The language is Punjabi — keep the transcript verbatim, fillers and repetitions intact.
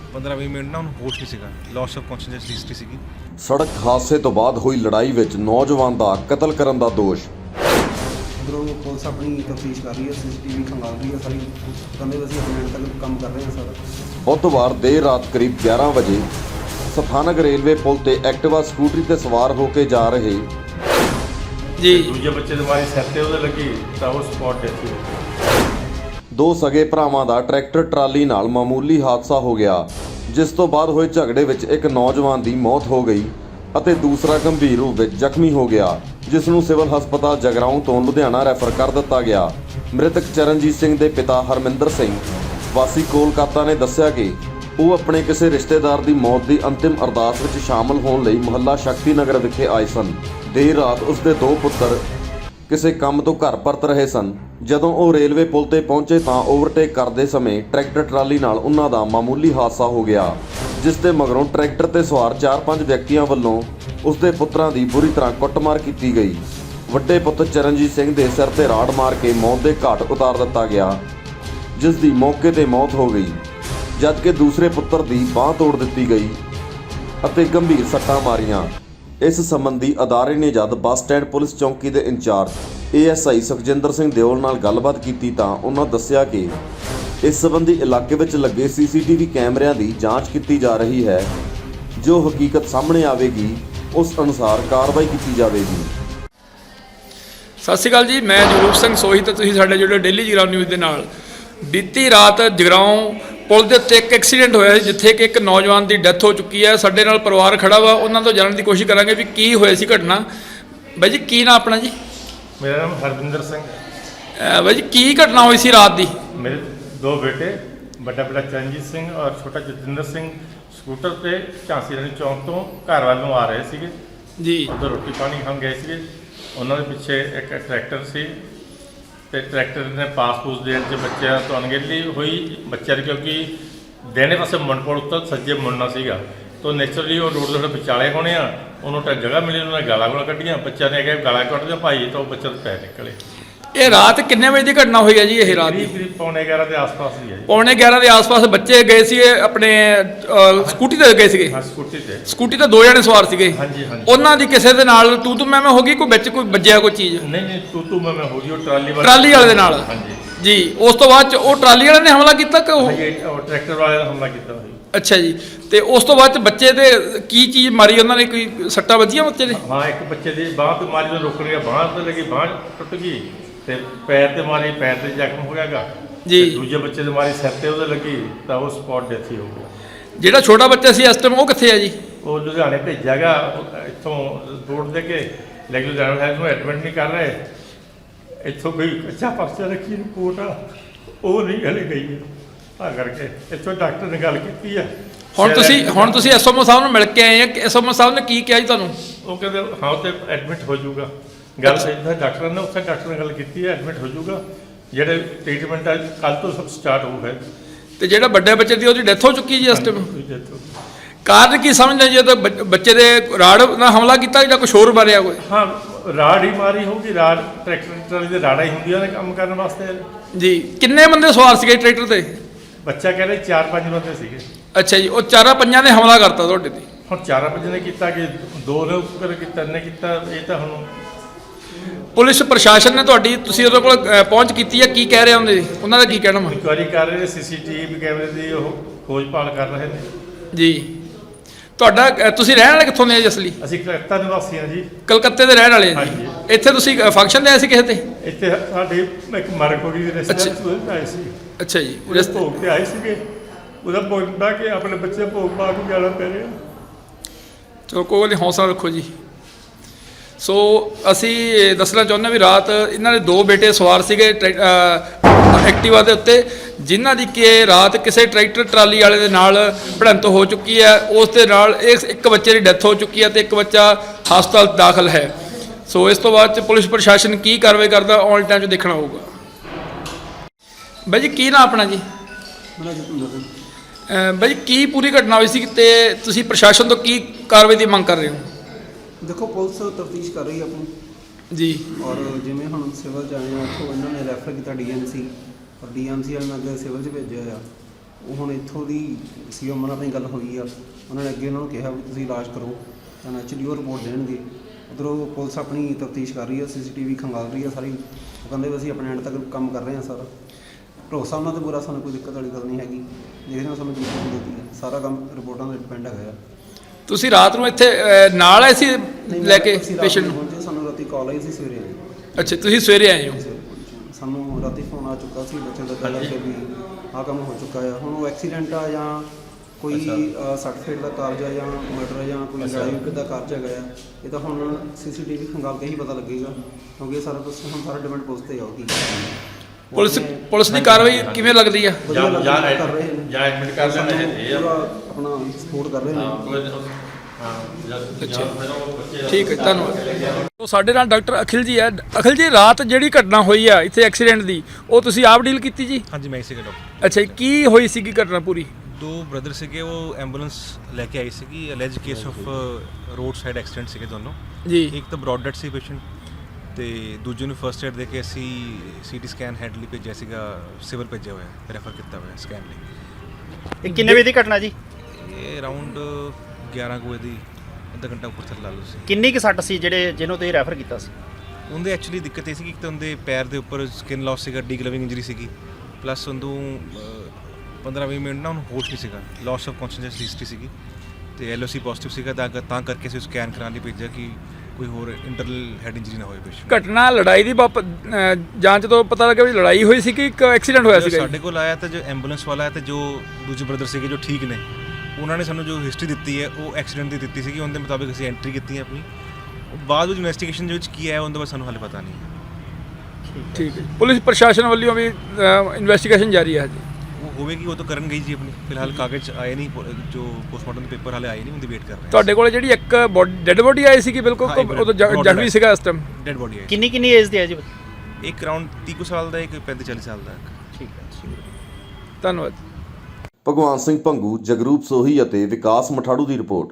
पंद्रह भी मिनट ना होश नहीं सीगा, लॉस ऑफ कॉन्शियसनेस हिस्ट्री सीगी। सड़क हादसे तो बाद हुई लड़ाई विच नौजवान का कतल करन दा दोष। उधरों पुलिस अपनी तफ्तीश कर रही है, सीसीटीवी खंगाल रही है सारी, कहते ਅਸੀਂ ਆਪਣੇ ਐਂਡ ਤੱਕ ਕੰਮ ਕਰ ਰਹੇ ਹਾਂ ਸਾਰਾ। बुधवार देर रात करीब ग्यारह बजे सथानक रेलवे पुल ते एक्टिवा स्कूटरी ते सवार होके जा रहे जी दूजे बच्चे तुम्हारी सिर ते ਉਹਦੇ ਲੱਗੀ ਤਾਂ ਉਹ ਸਪੌਟ ਡੈਥ ਹੋ ਗਈ। ਦੋ ਸਗੇ ਭਰਾਵਾਂ ਦਾ ਟਰੈਕਟਰ ਟਰਾਲੀ ਨਾਲ ਮਾਮੂਲੀ ਹਾਦਸਾ ਹੋ ਗਿਆ, ਜਿਸ ਤੋਂ ਬਾਅਦ ਹੋਏ ਝਗੜੇ ਵਿੱਚ ਇੱਕ ਨੌਜਵਾਨ ਦੀ ਮੌਤ ਹੋ ਗਈ ਅਤੇ ਦੂਸਰਾ ਗੰਭੀਰ ਰੂਪ ਵਿੱਚ ਜ਼ਖਮੀ ਹੋ ਗਿਆ, ਜਿਸ ਨੂੰ ਸਿਵਲ ਹਸਪਤਾਲ ਜਗਰਾਉਂ ਤੋਂ ਲੁਧਿਆਣਾ ਰੈਫਰ ਕਰ ਦਿੱਤਾ ਗਿਆ। ਮ੍ਰਿਤਕ ਚਰਨਜੀਤ ਸਿੰਘ ਦੇ ਪਿਤਾ ਹਰਮਿੰਦਰ ਸਿੰਘ ਵਾਸੀ ਕੋਲਕਾਤਾ ਨੇ ਦੱਸਿਆ ਕਿ ਉਹ ਆਪਣੇ ਕਿਸੇ ਰਿਸ਼ਤੇਦਾਰ ਦੀ ਮੌਤ ਦੀ ਅੰਤਿਮ ਅਰਦਾਸ ਵਿੱਚ ਸ਼ਾਮਲ ਹੋਣ ਲਈ ਮੁਹੱਲਾ ਸ਼ਕਤੀ ਨਗਰ ਵਿਖੇ ਆਏ ਸਨ। ਦੇਰ ਰਾਤ ਉਸ ਦੇ ਦੋ ਪੁੱਤਰ ਕਿਸੇ ਕੰਮ ਤੋਂ ਘਰ ਪਰਤ ਰਹੇ ਸਨ। ਜਦੋਂ ਉਹ ਰੇਲਵੇ ਪੁਲ ਤੇ ਪਹੁੰਚੇ ਤਾਂ ਓਵਰਟੇਕ ਕਰਦੇ ਸਮੇਂ ਟਰੈਕਟਰ ਟਰਾਲੀ ਨਾਲ ਉਹਨਾਂ ਦਾ ਮਾਮੂਲੀ ਹਾਦਸਾ ਹੋ ਗਿਆ, ਜਿਸ ਦੇ ਮਗਰੋਂ ਟਰੈਕਟਰ ਤੇ ਸਵਾਰ ਚਾਰ ਪੰਜ ਵਿਅਕਤੀਆਂ ਵੱਲੋਂ ਉਸ ਦੇ ਪੁੱਤਰਾਂ ਦੀ ਬੁਰੀ ਤਰ੍ਹਾਂ ਕੁੱਟਮਾਰ ਕੀਤੀ ਗਈ। ਵੱਡੇ ਪੁੱਤ ਚਰਨਜੀਤ ਸਿੰਘ ਦੇ ਸਿਰ ਤੇ ਰਾੜ ਮਾਰ ਕੇ ਮੌਤ ਦੇ ਘਾਟ ਉਤਾਰ ਦਿੱਤਾ ਗਿਆ, ਜਿਸ ਦੀ ਮੌਕੇ ਤੇ ਮੌਤ ਹੋ ਗਈ, ਜਦਕਿ ਦੂਸਰੇ ਪੁੱਤਰ ਦੀ ਬਾਂਹ ਤੋੜ ਦਿੱਤੀ ਗਈ ਅਤੇ ਗੰਭੀਰ ਸੱਟਾਂ ਮਾਰੀਆਂ। ਇਸ ਸੰਬੰਧੀ ਅਦਾਰੇ ਨੇ ਜਦ ਬੱਸ ਸਟੈਂਡ ਪੁਲਿਸ ਚੌਂਕੀ ਦੇ incharge A S I Sukhjinder Singh Deol ਨਾਲ ਗੱਲਬਾਤ ਕੀਤੀ ਤਾਂ ਉਹਨਾਂ ਦੱਸਿਆ ਕਿ ਇਸ ਸੰਬੰਧੀ ਇਲਾਕੇ ਵਿੱਚ ਲੱਗੇ ਸੀ ਸੀ ਟੀ ਵੀ ਕੈਮਰਿਆਂ ਦੀ ਜਾਂਚ ਕੀਤੀ ਜਾ ਰਹੀ ਹੈ। ਜੋ ਹਕੀਕਤ ਸਾਹਮਣੇ ਆਵੇਗੀ ਉਸ ਅਨੁਸਾਰ ਕਾਰਵਾਈ ਕੀਤੀ ਜਾਵੇਗੀ। ਸਤਿ ਸ਼੍ਰੀ ਅਕਾਲ ਜੀ, ਮੈਂ ਜਗਰੂਪ ਸਿੰਘ ਸੋਹੀ ਤੇ ਤੁਸੀਂ ਸਾਡੇ ਜਿਹੜੇ ਡੇਲੀ ਜਗਰਾਉਂ ਨਿਊਜ਼ ਦੇ ਨਾਲ। ਬੀਤੀ ਰਾਤ ਜਗਰਾਉਂ ਪੁਲ ਦੇ ਉੱਤੇ ਇੱਕ ਐਕਸੀਡੈਂਟ ਹੋਇਆ ਸੀ, ਜਿੱਥੇ ਕਿ ਇੱਕ ਨੌਜਵਾਨ ਦੀ ਡੈਥ ਹੋ ਚੁੱਕੀ ਹੈ। ਸਾਡੇ ਨਾਲ ਪਰਿਵਾਰ ਖੜਾ ਵਾ, ਉਹਨਾਂ ਤੋਂ ਜਾਣਨ ਦੀ ਕੋਸ਼ਿਸ਼ ਕਰਾਂਗੇ ਵੀ ਕੀ ਹੋਇਆ ਸੀ ਘਟਨਾ। ਬਾਈ ਜੀ ਕੀ ਨਾਂ ਆਪਣਾ ਜੀ? ਮੇਰਾ ਨਾਮ ਹਰਵਿੰਦਰ ਸਿੰਘ ਹੈ। ਅਹ ਬਾਈ ਜੀ ਕੀ ਘਟਨਾ ਹੋਈ ਸੀ ਰਾਤ ਦੀ? ਮੇਰੇ ਦੋ ਬੇਟੇ, ਵੱਡਾ ਬੇਟਾ ਚਰਨਜੀਤ ਸਿੰਘ ਔਰ ਛੋਟਾ ਜਤਿੰਦਰ ਸਿੰਘ ਸਕੂਟਰ ਤੇ ਝਾਂਸੀ ਰਾਣੀ ਚੌਂਕ ਤੋਂ ਘਰ ਵੱਲ ਨੂੰ ਆ ਰਹੇ ਸੀਗੇ ਜੀ। ਉਧਰ ਰੋਟੀ ਪਾਣੀ ਖਾਣ ਗਏ ਸੀਗੇ। ਉਹਨਾਂ ਦੇ ਪਿੱਛੇ ਇੱਕ ਟਰੈਕਟਰ ਸੀ ਤੇ ਟਰੈਕਟਰ ਨੇ ਪਾਸ ਪੂਸ ਦੇਣ 'ਚ ਬੱਚਿਆਂ ਤੋਂ ਅਣਗਹਿਲੀ ਹੋਈ। ਬੱਚਿਆਂ ਦੀ ਕਿਉਂਕਿ ਦੇਣੇ ਪਾਸੇ ਮੁੰਡਪੋੜ ਉੱਤੇ ਸੱਜੇ ਮੁੜਨਾ ਸੀਗਾ, ਤਾਂ ਨੇਚਰਲੀ ਉਹ ਰੋਡ ਦੇ ਵਿਚਾਲੇ ਹੋਣੇ ਆ। ਉਹਨੂੰ ਤਾਂ ਜਗ੍ਹਾ ਮਿਲੀ, ਉਹਨਾਂ ਨੇ ਗਾਲਾਂ ਗੋਲਾਂ ਕੱਢੀਆਂ। ਬੱਚਿਆਂ ਨੇ ਕਿਹਾ ਗਾਲਾਂ ਕੱਢ ਦਿਓ ਭਾਈ, ਤਾਂ ਉਹ ਬੱਚੇ ਦੇ ਪੈਰ ਨਿਕਲੇ। ਇਹ ਰਾਤ ਕਿੰਨੇ ਵਜੇ ਦੀ ਘਟਨਾ ਹੋਈ ਹੈ ਜੀ? ਇਹ ਰਾਤ ਦੀ ਕਰੀਬ ਪੌਣੇ ਗਿਆਰਾਂ ਦੇ ਆਸ-ਪਾਸ ਹੀ ਹੈ ਜੀ। ਪੌਣੇ ਗਿਆਰਾਂ ਦੇ ਆਸ-ਪਾਸ ਬੱਚੇ ਗਏ ਸੀ ਆਪਣੇ ਅਹ, ਸਕੂਟੀ ਤੇ ਗਏ ਸੀਗੇ। ਹਾਂ, ਸਕੂਟੀ ਤੇ ਸਕੂਟੀ ਤੇ ਦੋ ਜਣੇ ਸਵਾਰ ਸੀਗੇ। ਹਾਂਜੀ ਹਾਂਜੀ। ਉਹਨਾਂ ਦੀ ਕਿਸੇ ਦੇ ਨਾਲ ਤੂੰ ਤੂੰ ਮੈਂ ਮੈਂ ਹੋ ਗਈ, ਕੋਈ ਵਿੱਚ ਕੋਈ ਵੱਜਿਆ ਕੋਈ ਚੀਜ਼? ਨਹੀਂ ਨਹੀਂ, ਤੂੰ ਤੂੰ ਮੈਂ ਮੈਂ ਹੋ ਗਈ। ਉਹ ਟਰਾਲੀ ਵਾਲੇ ਟਰਾਲੀ ਵਾਲੇ ਦੇ ਨਾਲ? ਹਾਂਜੀ ਜੀ। ਉਸ ਤੋਂ ਬਾਅਦ ਚ ਉਹ ਟਰਾਲੀ ਵਾਲੇ ਨੇ ਹਮਲਾ ਕੀਤਾ ਕਿ ਉਹ? ਹਾਂਜੀ, ਉਹ ਟਰੈਕਟਰ ਵਾਲੇ ਨੇ ਹਮਲਾ ਕੀਤਾ ਹੋਈ। ਅੱਛਾ ਜੀ। ਤੇ ਉਸ ਤੋਂ ਬਾਅਦ ਚ ਬੱਚੇ ਦੇ ਕੀ ਚੀਜ਼ ਮਾਰੀ ਉਹਨਾਂ ਨੇ? ਕੋਈ ਸੱਟਾਂ ਵੱਜੀਆਂ ਬੱਚੇ ਦੇ? ਹਾਂ, ਇੱਕ ਬੱਚੇ ਦੀ ਬਾਂਹ ਤੇ ਮਾਰੀ ਤਾਂ ਰੁਕ ਗਿਆ, ਬਾਂਹ ਤੇ ਲੱਗੀ, ਬਾਂਹ ਟੁੱਟ ਗਈ ਤੇ ਪੈਰ ਤੇ ਮਾਰੀ, ਪੈਰ ਤੇ ਜ਼ਖਮ ਹੋ ਗਿਆਗਾ ਜੀ। ਤੇ ਦੂਜੇ ਬੱਚੇ ਦੀ ਮਾਰੀ ਸਿਰ ਤੇ ਉਹਦੇ ਲੱਗੀ ਤਾਂ ਉਹ ਸਪੌਟ ਡੈਥ ਹੀ ਹੋ ਗਿਆ। ਜਿਹੜਾ ਛੋਟਾ ਬੱਚਾ ਸੀ ਇਸ ਟਾਈਮ ਉਹ ਕਿੱਥੇ ਹੈ ਜੀ? ਉਹ ਲੁਧਿਆਣੇ ਭੇਜਾਗਾ, ਇੱਥੋਂ ਰੋਡ ਦੇ ਕੇ ਲੈ ਕੇ ਲੁਧਿਆਣਾ ਸਾਹਿਬ ਨੂੰ ਐਡਮਿਟ ਨਹੀਂ ਕਰ ਰਹੇ। ਇੱਥੋਂ ਕੋਈ ਕੱਚਾ ਪਰਚਾ ਰੱਖੀ ਰਿਪੋਰਟ ਆ, ਉਹ ਨਹੀਂ ਹਲੇ ਗਈ ਹੈ। ਤਾਂ ਕਰਕੇ ਇੱਥੋਂ ਡਾਕਟਰ ਨੇ ਗੱਲ ਕੀਤੀ ਆ। ਹੁਣ ਤੁਸੀਂ ਹੁਣ ਤੁਸੀਂ ਐਸ ਐਮ ਓ ਸਾਹਿਬ ਨੂੰ ਮਿਲ ਕੇ ਆਏ ਆ, ਐਸ ਐਮ ਓ ਸਾਹਿਬ ਨੇ ਕੀ ਕਿਹਾ ਜੀ ਤੁਹਾਨੂੰ? ਉਹ ਕਹਿੰਦੇ ਹਾਂ ਉੱਥੇ ਐਡਮਿਟ ਹੋ ਜਾਊਗਾ। ਗੱਲ ਇੱਦਾਂ ਡਾਕਟਰ ਨੇ ਉੱਥੇ ਡਾਕਟਰ ਨਾਲ ਗੱਲ ਕੀਤੀ ਹੈ, ਐਡਮਿਟ ਹੋ ਜਾਊਗਾ। ਜਿਹੜੇ ਟ੍ਰੀਟਮੈਂਟ ਆ ਕੱਲ੍ਹ ਤੋਂ ਸਭ ਸਟਾਰਟ ਹੋਊਗਾ। ਤੇ ਜਿਹੜਾ ਵੱਡੇ ਬੱਚੇ ਦੀ ਉਹਦੀ ਡੈਥ ਹੋ ਚੁੱਕੀ ਜੀ ਇਸ ਟਾਈਮ? ਡੈਥ ਹੋ ਗਈ। ਕਾਰਨ ਕੀ ਸਮਝਦੇ ਜੀ? ਤਾਂ ਬੱਚੇ ਦੇ ਰਾੜ ਨਾਲ ਹਮਲਾ ਕੀਤਾ ਜਾਂ ਕੁਛ ਹੋਰ ਮਾਰਿਆ ਕੋਈ? ਹਾਂ, ਰਾੜ ਹੀ ਮਾਰੀ ਹੋਊਗੀ। ਰਾੜ ਟਰੈਕਟਰ ਟਰਾਲੀ ਦੇ ਰਾੜਾਂ ਹੀ ਹੁੰਦੀਆਂ ਨੇ ਕੰਮ ਕਰਨ ਵਾਸਤੇ ਜੀ। ਕਿੰਨੇ ਬੰਦੇ ਸਵਾਰ ਸੀਗੇ ਟਰੈਕਟਰ ਤੇ? ਬੱਚਾ ਕਹਿੰਦੇ ਚਾਰ ਪੰਜ ਬੰਦੇ ਸੀਗੇ। ਅੱਛਾ ਜੀ। ਉਹ ਚਾਰਾਂ ਪੰਜਾਂ ਨੇ ਹਮਲਾ ਕਰਤਾ ਤੁਹਾਡੇ ਤੇ? ਹੁਣ ਚਾਰਾਂ ਪੰਜ ਨੇ ਕੀਤਾ ਕਿ ਦੋ ਨੇ ਉੱਪਰ ਕੀਤਾ, ਨੇ ਕੀਤਾ, ਇਹ ਤਾਂ ਹੁਣ ਪੁਲਿਸ ਪ੍ਰਸ਼ਾਸਨ ਨੇ ਤੁਹਾਡੀ, ਤੁਸੀਂ ਉਹਦੇ ਕੋਲ ਅ, ਪਹੁੰਚ ਕੀਤੀ ਹੈ? ਕੀ ਕਹਿ ਰਹੇ ਹੁੰਦੇ ਉਹਨਾਂ ਦਾ ਕੀ ਕਹਿਣਾ ਵਾ? ਇਨਕੁਆਇਰੀ ਕਰ ਰਹੇ ਨੇ, ਸੀ ਸੀ ਟੀ ਵੀ ਕੈਮਰੇ ਦੀ ਉਹ ਖੋਜ ਭਾਲ ਕਰ ਰਹੇ ਨੇ ਜੀ। ਤੁਹਾਡਾ ਅ, ਤੁਸੀਂ ਰਹਿਣ ਵਾਲੇ ਕਿੱਥੋਂ ਦੇ ਆ ਜੀ ਅਸਲੀ? ਅਸੀਂ ਕਲਕੱਤਾ ਨਿਵਾਸੀ ਹਾਂ ਜੀ। ਕਲਕੱਤੇ ਦੇ ਰਹਿਣ ਵਾਲੇ ਆ ਜੀ। ਹਾਂਜੀ। ਇੱਥੇ ਤੁਸੀਂ ਫੰਕਸ਼ਨ ਤੇ ਆਏ ਸੀ ਕਿਸੇ ਤੇ? ਇੱਥੇ ਸਾਡੇ ਇੱਕ ਮਰਗ ਹੋ ਗਈ ਦੇ ਰਿਸ਼ਤੇਦਾਰ ਆਏ ਸੀ। ਅੱਛਾ ਜੀ। ਉਹਦੇ ਭੋਗ ਤੇ ਆਏ ਸੀਗੇ। ਉਹਦਾ ਭੋਗ ਪਾ ਕੇ ਆਪਣੇ ਬੱਚੇ ਭੋਗ ਪਾ ਕੇ ਜਾਣਾ ਪੈ ਰਿਹਾ। ਚਲੋ ਕੋਈ ਨਹੀਂ, ਹੌਸਲਾ ਰੱਖੋ ਜੀ। ਸੋ ਅਸੀਂ ਦੱਸਣਾ ਚਾਹੁੰਦੇ ਵੀ ਰਾਤ ਇਹਨਾਂ ਦੇ ਦੋ ਬੇਟੇ ਸਵਾਰ ਸੀਗੇ ਐਕਟਿਵਾ ਦੇ ਉੱਤੇ, ਜਿਨ੍ਹਾਂ ਦੀ ਕਿ ਰਾਤ ਕਿਸੇ ਟਰੈਕਟਰ ਟਰਾਲੀ ਵਾਲੇ ਦੇ ਨਾਲ ਭਿੜੰਤ ਹੋ ਚੁੱਕੀ ਹੈ। ਉਸ ਦੇ ਨਾਲ ਇੱਕ ਇੱਕ ਬੱਚੇ ਦੀ ਡੈਥ ਹੋ ਚੁੱਕੀ ਹੈ ਤੇ ਇੱਕ ਬੱਚਾ ਹਸਪਤਾਲ ਦਾਖਲ ਹੈ। ਸੋ ਇਸ ਤੋਂ ਬਾਅਦ 'ਚ ਪੁਲਿਸ ਪ੍ਰਸ਼ਾਸਨ ਕੀ ਕਾਰਵਾਈ ਕਰਦਾ ਆਉਣ ਟਾਈਮ 'ਚ ਦੇਖਣਾ ਹੋਊਗਾ। ਬਾਈ ਜੀ ਕੀ ਨਾਂ ਆਪਣਾ ਜੀ? ਮੇਰਾ ਜਤਿੰਦਰ ਸਿੰਘ। ਅਹ ਬਾਈ ਜੀ ਕੀ ਪੂਰੀ ਘਟਨਾ ਹੋਈ ਸੀ ਤੇ ਤੁਸੀਂ ਪ੍ਰਸ਼ਾਸਨ ਤੋਂ ਕੀ ਕਾਰਵਾਈ ਦੀ ਮੰਗ ਕਰ ਰਹੇ ਹੋ? ਦੇਖੋ ਪੁਲਿਸ ਤਫਤੀਸ਼ ਕਰ ਰਹੀ ਹੈ ਆਪਣੀ ਜੀ। ਔਰ ਜਿਵੇਂ ਹੁਣ ਸਿਵਲ ਜਾਣੇ ਆ, ਉੱਥੋਂ ਇਹਨਾਂ ਨੇ ਰੈਫਰ ਕੀਤਾ ਡੀ ਐਮ ਸੀ, ਔਰ ਡੀ ਐਮ ਸੀ ਵਾਲੇ ਨੇ ਅੱਗੇ ਸਿਵਲ 'ਚ ਭੇਜਿਆ ਆ। ਉਹ ਹੁਣ ਇੱਥੋਂ ਦੀ ਸੀ ਅਮਨ ਨਾਲ ਗੱਲ ਹੋਈ ਆ, ਉਹਨਾਂ ਨੇ ਅੱਗੇ ਉਹਨਾਂ ਨੂੰ ਕਿਹਾ ਵੀ ਤੁਸੀਂ ਇਲਾਜ ਕਰੋ ਤਾਂ ਨੈਚੁਰਲੀ ਉਹ ਰਿਪੋਰਟ ਦੇਣਗੇ। ਉੱਧਰੋਂ ਪੁਲਿਸ ਆਪਣੀ ਤਫਤੀਸ਼ ਕਰ ਰਹੀ ਹੈ, ਸੀ ਸੀ ਟੀ ਵੀ ਖੰਗਾਲ ਰਹੀ ਹੈ ਸਾਰੀ। ਉਹ ਕਹਿੰਦੇ ਵੀ ਅਸੀਂ ਆਪਣੇ ਐਂਡ ਤੱਕ ਕੰਮ ਕਰ ਰਹੇ ਹਾਂ ਸਾਰਾ। ਭਰੋਸਾ ਉਹਨਾਂ 'ਤੇ ਪੂਰਾ, ਸਾਨੂੰ ਕੋਈ ਦਿੱਕਤ ਵਾਲੀ ਗੱਲ ਨਹੀਂ ਹੈਗੀ। ਦੇਖਦੇ ਹਾਂ ਸਾਨੂੰ ਜਿੱਥੇ ਦਿੱਤੀ ਹੈ, ਸਾਰਾ ਕੰਮ ਰਿਪੋਰਟਾਂ 'ਤੇ ਡਿਪੈਂਡ ਹੈਗਾ ਆ। ਤੁਸੀਂ ਰਾਤ ਨੂੰ ਇੱਥੇ ਅਹ, ਨਾਲ ਆਏ ਸੀ ਲੈ ਕੇ ਅਸੀਂ ਰਾਤ ਪੇਸ਼ੈਂਟ ਨੂੰ ਨੂੰ? ਪਹੁੰਚੇ, ਸਾਨੂੰ ਰਾਤੀ ਕਾਲ ਆਈ ਸੀ, ਸਵੇਰੇ ਆਏ। ਅੱਛਾ, ਤੁਸੀਂ ਸਵੇਰੇ ਆਏ ਹੋ? ਸਵੇਰੇ ਪਹੁੰਚੇ। ਸਾਨੂੰ ਰਾਤੀ ਫੋਨ ਆ ਚੁੱਕਾ ਸੀ ਬੱਚਿਆਂ ਦਾ ਪਹਿਲਾਂ ਕਿ ਵੀ ਆਹ ਕੰਮ ਹੋ ਚੁੱਕਾ ਆ। ਹੁਣ ਉਹ ਐਕਸੀਡੈਂਟ ਆ ਜਾਂ ਕੋਈ ਸਰਟੀਫਿਕੇਟ ਦਾ ਕਾਰਜ ਆ ਜਾਂ ਮਰਡਰ ਜਾਂ ਕੋਈ ਲੜਾਈ ਦਾ ਕਾਰਜ ਹੈਗਾ ਆ, ਇਹ ਤਾਂ ਹੁਣ ਸੀ ਸੀ ਟੀ ਵੀ ਖੰਗਾਲ ਕੇ ਹੀ ਪਤਾ ਲੱਗੇਗਾ, ਕਿਉਂਕਿ ਇਹ ਸਾਰਾ ਕੁਛ ਹੁਣ ਸਾਰਾ ਡਿਪੈਂਡ ਪੁਲਿਸ 'ਤੇ ਆਉਗੀ। ਪੁਲਿਸ ਪੁਲਿਸ ਦੀ ਕਾਰਵਾਈ ਕਿਵੇਂ ਲੱਗਦੀ ਆ? ਵਧੀਆ ਜਾਂ- ਲੱਗ- ਜਾਂ ਕਰ ਰਹੇ ਨੇ, ਜਾਂ ਐਡਮਿਟ ਕਰ ਲੈਣਾ ਹੈ ਇਹ ਆ। ਪੂਰਾ ਆਪਣਾ ਸਪੋਰਟ ਕਰ ਰਹੇ ਨੇ। ਹਾਂ ਕੋਈ ਹਾਂ ਜਦ ਜਾਂ ਫਿਰ ਉਹ ਬੱਚੇ ਠੀਕ ਹੈ, ਧੰਨਵਾਦ। ਉਹ ਸਾਡੇ ਨਾਲ ਡਾਕਟਰ ਅਖਿਲ ਜੀ ਹੈ। ਅਖਿਲ ਜੀ, ਰਾਤ ਜਿਹੜੀ ਘਟਨਾ ਹੋਈ ਆ ਇੱਥੇ ਐਕਸੀਡੈਂਟ ਦੀ, ਉਹ ਤੁਸੀਂ ਆਪ ਡੀਲ ਕੀਤੀ ਜੀ? ਹਾਂਜੀ, ਮੈਂ ਹੀ ਸੀਗਾ ਡਾਕਟਰ। ਅੱਛਾ, ਕੀ ਹੋਈ ਸੀਗੀ ਘਟਨਾ ਪੂਰੀ? ਦੋ ਬ੍ਰਦਰ ਸੀਗੇ, ਉਹ ਐਂਬੂਲੈਂਸ ਲੈ ਕੇ ਆਈ ਸੀਗੀ। Alleged case of road side accident ਸੀਗੇ ਦੋਨੋਂ। ਜੀ। ਇੱਕ ਤਾਂ ਬ੍ਰੌਡ ਡੈਡ ਸੀ ਪੇਸ਼ੈਂਟ, ਤੇ ਦੂਜੇ ਨੂੰ ਫਰਸਟ ਏਡ ਦੇ ਕੇ ਅਸੀਂ ਸੀ ਟੀ ਸਕੈਨ ਹੈਡ ਲਈ ਭੇਜਿਆ ਸੀਗਾ, ਸਿਵਲ ਭੇਜਿਆ ਹੋਇਆ, ਰੈਫਰ ਕੀਤਾ ਹੋਇਆ ਸਕੈਨ ਲਈ। ਇਹ ਕਿੰਨੇ ਵਜੇ ਦੀ ਘਟਨਾ ਜੀ? ਇਹ ਅਰਾਊਂਡ ਗਿਆਰਾਂ ਕੁ ਵਜੇ ਦੀ, ਅੱਧਾ ਘੰਟਾ ਉੱਪਰ ਥੱਲੇ ਲਾ ਲਓ ਤੁਸੀਂ। ਕਿੰਨੀ ਕੁ ਸੱਟ ਸੀ ਜਿਹੜੇ ਜਿਹਨੂੰ ਤੁਸੀਂ ਰੈਫਰ ਕੀਤਾ ਸੀ? ਉਹਦੇ ਐਕਚੁਅਲੀ ਦਿੱਕਤ ਇਹ ਸੀ ਕਿ ਇੱਕ ਤਾਂ ਉਹਦੇ ਪੈਰ ਦੇ ਉੱਪਰ ਸਕਿਨ ਲਾਸ ਸੀਗਾ, ਡੀਗਲਵਿੰਗ ਇੰਜਰੀ ਸੀਗੀ, ਪਲੱਸ ਉਹਨੂੰ ਪੰਦਰਾਂ ਵੀਹ ਮਿੰਟ ਨਾ ਉਹਨੂੰ ਹੋਸ਼ ਨਹੀਂ ਸੀਗਾ, ਲਾਸ ਆਫ ਕੌਨਸ਼ੀਅਸਨੈਸ ਹਿਸਟਰੀ ਸੀਗੀ, ਤੇ ਐਲ ਓ ਸੀ ਪੋਜ਼ਿਟਿਵ ਸੀਗਾ। ਤਾਂ ਤਾਂ ਕਰਕੇ ਅਸੀਂ ਸਕੈਨ ਕਰਾਉਣ ਲਈ ਭੇਜਿਆ ਕਿ ਕੋਈ ਹੋਰ ਇੰਟਰਨਲ ਹੈਡ ਇੰਜਰੀ ਨਾ ਹੋਵੇ ਪੇਸ਼ੈਂਟ। ਘਟਨਾ ਲੜਾਈ ਦੀ ਵਾਪ- ਅਹ, ਜਾਂਚ ਤੋਂ ਪਤਾ ਲੱਗਾ ਵੀ ਲੜਾਈ ਹੋਈ ਸੀ ਕਿ ਇੱਕ ਐਕਸੀਡੈਂਟ ਹੋਇਆ ਸੀਗਾ ਜੀ? ਸਾਡੇ ਕੋਲ ਆਇਆ ਤਾਂ ਜੋ ਐਂਬੂਲੈਂਸ ਵਾਲਾ ਹੈ, ਤੇ ਜੋ ਦੂਜੇ ਬ੍ਰਦਰ ਸੀਗੇ ਜੋ ਠੀਕ ਨੇ, ਉਹਨਾਂ ਨੇ ਸਾਨੂੰ ਜੋ ਹਿਸਟਰੀ ਦਿੱਤੀ ਹੈ ਉਹ ਐਕਸੀਡੈਂਟ ਦੀ ਦਿੱਤੀ ਸੀਗੀ। ਉਹਦੇ ਮੁਤਾਬਿਕ ਅਸੀਂ ਐਂਟਰੀ ਕੀਤੀ ਹੈ ਆਪਣੀ। ਬਾਅਦ ਵਿੱਚ ਇਨਵੈਸਟੀਗੇਸ਼ਨ ਦੇ ਵਿੱਚ ਕੀ ਆਇਆ ਉਹਦੇ ਬਾਰੇ ਸਾਨੂੰ ਹਾਲੇ ਪਤਾ ਨਹੀਂ। ਠੀਕ ਹੈ। ਪੁਲਿਸ ਪ੍ਰਸ਼ਾਸਨ ਵੱਲੋਂ ਵੀ ਇਨਵੈਸਟੀਗੇਸ਼ਨ ਜਾਰੀ ਹੈ ਜੀ? ਉਹ ਹੋਵੇਗੀ, ਉਹ ਤਾਂ ਕਰਨ ਗਈ ਜੀ ਆਪਣੀ। ਫਿਲਹਾਲ ਕਾਗਜ਼ ਆਏ ਨਹੀਂ, ਜੋ ਪੋਸਟਮਾਰਟਮ ਦੇ ਪੇਪਰ ਹਾਲੇ ਆਏ ਨਹੀਂ, ਉਹਦੀ ਵੇਟ ਕਰ ਰਹੇ ਹਾਂ। ਤੁਹਾਡੇ ਕੋਲ ਜਿਹੜੀ ਇੱਕ ਡੈੱਡ ਬੋਡੀ ਆਈ ਸੀਗੀ, ਬਿਲਕੁਲ ਹਾਂ, ਇੱਕ ਉਹ ਤਾਂ broad ਜ਼ਖਮੀ dead ਸੀਗਾ ਇਸ ਟਾਈਮ? ਡੈਡ ਬੋਡੀ ਆਈ। ਕਿੰਨੀ ਕਿੰਨੀ ਏਜ ਦੇ ਹੈ ਜੀ? ਇੱਕ ਅਰਾਊਂਡ ਤੀਹ ਕੁ ਸਾਲ ਦਾ, ਇੱਕ ਪੈਂਤੀ ਚਾਲੀ ਸਾਲ ਦਾ। ਠੀਕ ਹੈ। ਧੰਨਵਾਦ। ਭਗਵਾਨ ਸਿੰਘ ਭੰਗੂ, ਜਗਰੂਪ ਸੋਹੀ ਅਤੇ ਵਿਕਾਸ ਮਠਾੜੂ ਦੀ ਰਿਪੋਰਟ।